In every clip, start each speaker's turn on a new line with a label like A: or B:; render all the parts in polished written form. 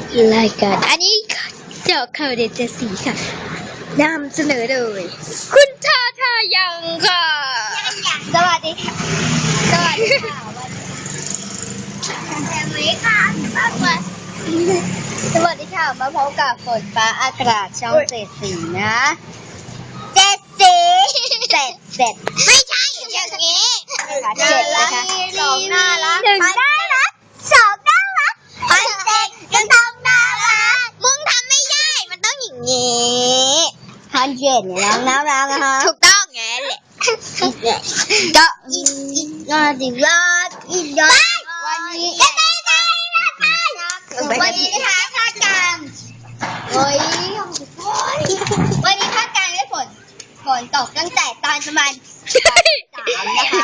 A: รายการอันนี้เจาะข่าวเด็ดเจ็ดสีค่ะนำเสนอโดยคุณทาทายังค่ะสวัสดีค่ะสวัสดีค่ะสวัสดีค่ะมาพบกับฝนฟ้าอากาศช่องเจ็ดสีนะเจ็ดสีเจ็ดไม่ใช่อย่างนี้เจ็ดนะคะสองน่ารักหนึ่งน่ารักสองน่ารักพันเจ็ดก็ต้องน่ารักมึงทำไม่ได้มันต้องอย่างนี้พันเจ็ดเนี่ยน่ารักนะคะถูกต้องไงแหละก็น่าดีรักอีกยอดวันนี้วันนี้นะคะภาคกลางวันนี้ภาคกลางได้ฝนตกตั้งแต่ตอนประมาณ3นะคะ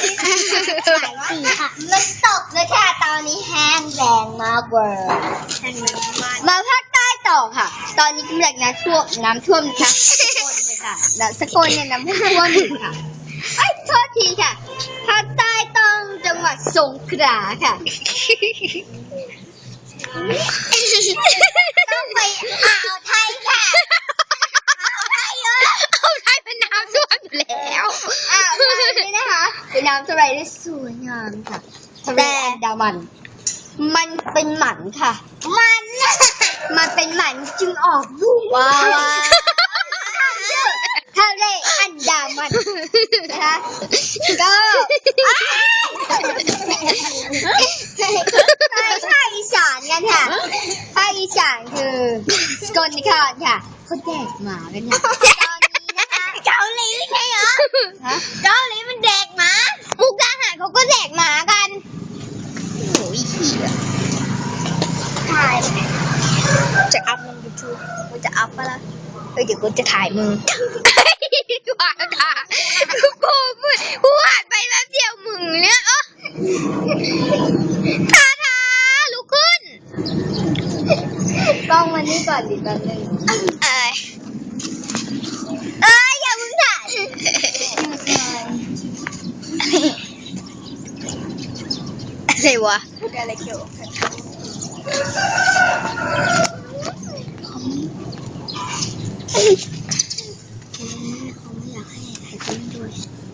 A: 4ค่ะมันตกเลยค่ะตอนนี้แห้งแรงมากเวอร์มาภาคใต้ต่อค่ะตอนนี้กำลังน้ำท่วมนะคะสกลเลยค่ะสกลเนี่ยน้ำท่วมอยู่ค่ะโทษทีค่ะภาคใต้ต้องจังหวัดสงขลาค่ะต้องไปอ่าวไทยค่ะอ่าวไทยเป็นน้ำท่วมอยู่แล้วอ่าวไทยนี่นะคะเป็นน้ำทะเลที่สวยงามค่ะทะเลอันดามันมันเป็นหมันค่ะมันเป็นหมันจึงออกลูกว้าวทะเลอันดามันนะคะก็ภาคอีสานกันค่ะภาคอีสานคือสกลนครค่ะเขาแดกหมากันค่ะตอนนี้นะคะเกาหลีใช่เหรอเกาหลีมันแดกหมามุกดาหารเขาก็แดกหมากันโอ้ยขี้อ่ะถ่ายจะอัพลงยูทูบกูจะอัพปะล่ะเดี๋ยวกูจะถ่ายมึงว่าค่ะกูหันไปแป๊บเดียวมึงเนี่ยทาลุกขึ้นกล้องมันนี่ก่อนดิแป๊บนึงอย่ามึงถ่ายอะไรวะอะไรเกี่ยวเขาไม่อยากให้ใครเล่นด้วย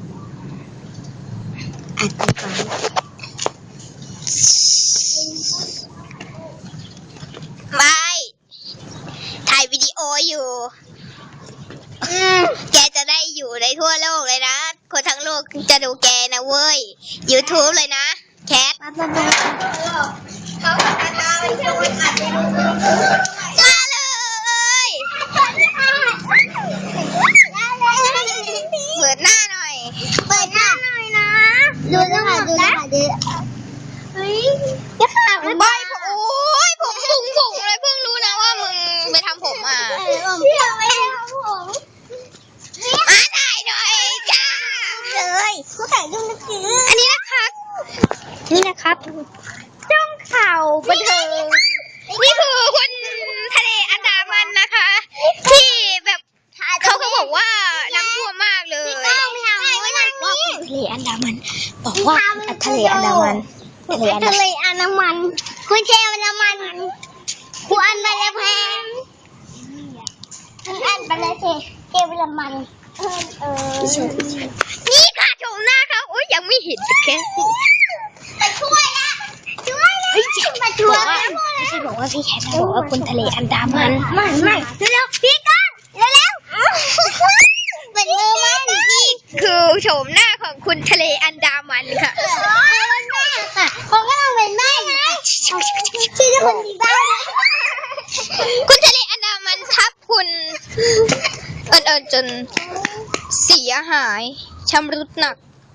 A: อัดไปก่อนไม่ถ่ายวิดีโออยู่แกจะได้อยู่ในทั่วโลกเลยนะคนทั้งโลกจะดูแกนะเว้ย YouTube เลยนะแคทเขาทาไปเที่ยววันอัดเลยมาเลยเปิดหน้าหน่อยนะดูนะคะเฮ้ยจะขาดใบโอ้ยผมฟุ้งเลยเพิ่งรู้นะว่ามึงไปทำผมมาเที่ยวไปทำผมมาถ่ายหน่อยจ้าเลยเขาถ่ายรูปนักสืออันนี้นะครับจ้องข่าวบันเทิงนี่คือคุณทะเลอันดามันนะคะที่แบบเขาบอกว่าน้ำท่วมมากเลยทะเลอันดามันบอกว่าทะเลอันดามันคุณเชลอันดามันคุณอันไปแล้วแพงคุณอันไปแล้วเจลละมันนี่ค่ะชมหน้าเขาโอ้ยยังไม่เห็นแค่ไปช่วยมาช่วยไม่ใช่บอกว่าพี่แคทบอกว่าคุณทะเลอันดามันไม่เร็วพี่ก้อนเร็วเป็นมือมันนี่คือโฉมหน้าของคุณทะเลอันดามันค่ะเขาก็ต้องเป็นแม่ไงชื่อคนดีบ้างคุณทะเลอันดามันทับคุณเอิญจนเสียหายชำรุดหนัก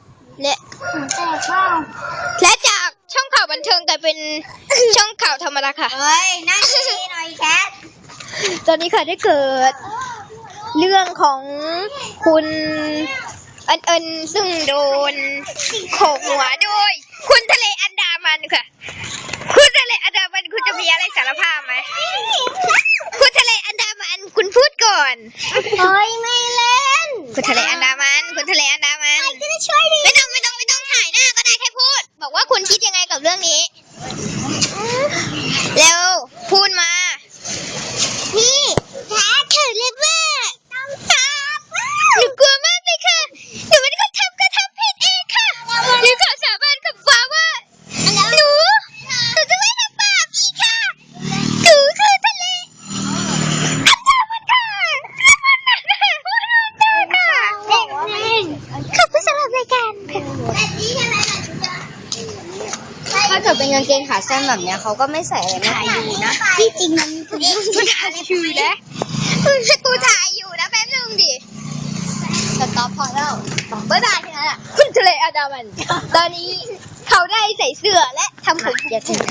A: และจากช่องข่าวบันเทิงกลายเป็นช่องข่าวธรรมดาค่ะนั่งดีหน่อยแคทตอนนี้ค่ะได้เกิดเรื่องของคุณเอิญซึ่งโดนโขกหัวโดยคุณทะเลอันดามันค่ะคุณทะเลอันดามันคุณจะมีอะไรสารภาพไหมคุณทะเลอันดามันคุณพูดก่อนไม่เล่นคุณทะเลอันดามันก็จะช่วยดีไม่ต้องถ่ายหน้าก็ได้แค่พูดบอกว่าคุณคิดยังไงกับเรื่องนี้แล้วพูดมาแบบนี้ใช่ไหมถ้าเกิดเป็นกางเกงขาสั้นแบบเนี้ยเขาก็ไม่ใส่อะไรถ่ายอยู่นะที่จริงมันถ่ายอยู่นะกูถ่ายอยู่นะแป๊บนึงดิสต็อปพอแล้วบ๊ายบายทีนั้นอ่ะคุณทะเลอันดามันตอนนี้เขาได้ใส่เสื้อและทำผม